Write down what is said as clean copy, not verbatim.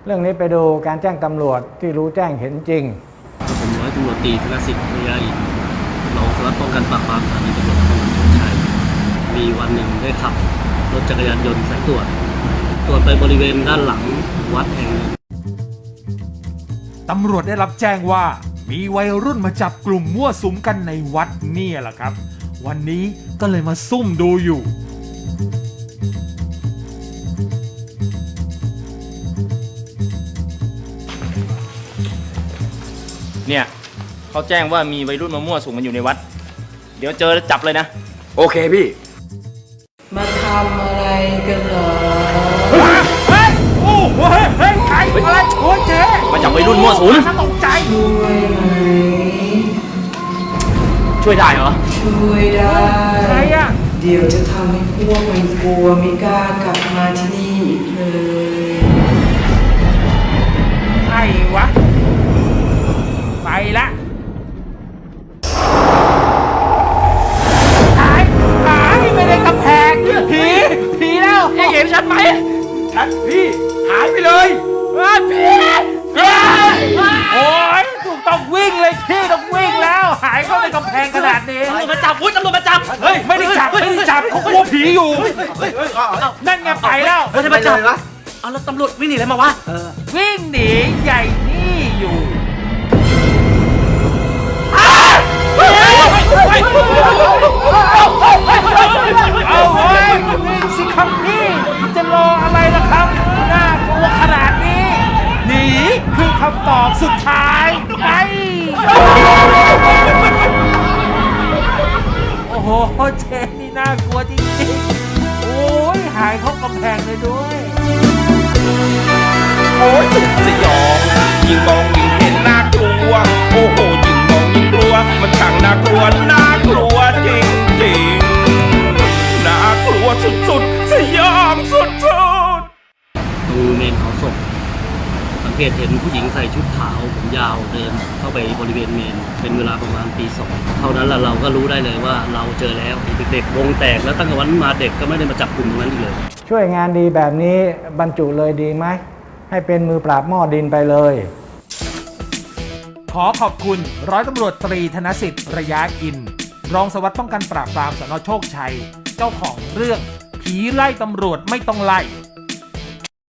เรื่องนี้ไปดูการแจ้งตำรวจที่รู้แจ้งเห็นจริงผมร้อยตำรวจตรีธนสิทธิ์ระยะอินรองสารวัตรป้องกันปราบปรามสถานีตำรวจนครบาลโชคชัยมีวันหนึ่งได้ขับรถจักรยานยนต์สายตรวจไปบริเวณด้านหลังวัดแห่งหนึ่งตำรวจได้รับแจ้งว่ามีวัยรุ่นมาจับกลุ่มมั่วสุมกันในวัดนี่แหละครับ วันนี้ก็เลยมาซุ่มดูอยู่เนี่ยเขาแจ้งว่ามีวัยรุ่นมามั่วสุมกันอยู่ในวัดเดี๋ยวเจอจับเลยนะโอเคพี่มาทำอะไรกันเหรอโอ้โหเฮ้ยใครอะไรโอ้เจ๊มาจับวัยรุ่นมั่วสุมตกใจช่วยไหมช่วยได้เหรอช่วยได้ใครอะเดี๋ยวจะทำให้พวกมันกลัวไม่กล้ากลับมาที่นี่อีกเลยใครวะไปละหายไปในกำแพงผีแล้วเห็นฉันไหมชัดพี่หายไปเลยผีโอ้ยถูกต้องวิ่งเลยพี่ต้องวิ่งแล้วหายเข้าในกำแพงขนาดนี้ตำรวจมาจับตำรวจมาจับเฮ้ยไม่ได้จับเขากลัวผีอยู่นั่นไงไปแล้วไม่ใช่มาจับเอาแล้วตำรวจวิ่งหนีอะไรมาวะวิ่งหนีใหญ่นี่อยู่เอาเฮ้ยวิ่งสิครับพี่จะรออะไรล่ะครับน่ากลัวขนาดนี้หนีคือคำตอบสุดท้ายไปโอ้โหเจนี่น่ากลัวจริงๆโอ้ยหายเข้ากำแพงเลยด้วยโอ้ยสุดสยองยิ่งมองยิ่งเห็นน่ากลัวโอ้โหยิ่งมองยิ่งกลัวมันช่างน่ากลัวจริงจริงน่ากลัวสุดๆสยองสุดตรงเมนเผาศพสังเกตเห็นผู้หญิงใส่ชุดขาวผมยาวเดินเข้าไปบริเวณเมนเป็นเวลาประมาณตี 2เท่านั้นแหละเราก็รู้ได้เลยว่าเราเจอแล้วเด็กๆวงแตกแล้วตั้งแต่วันมาเด็กก็ไม่ได้มาจับกลุ่มตรงนั้นอีกเลยช่วยงานดีแบบนี้บรรจุเลยดีไหมให้เป็นมือปราบหม้อดินไปเลยขอขอบคุณร้อยตำรวจตรีธนสิทธิ์ระยะอินรองสารวัตรป้องกันปราบปรามสน.โชคชัยเจ้าของเรื่องผีไล่ตำรวจไม่ต้องไล่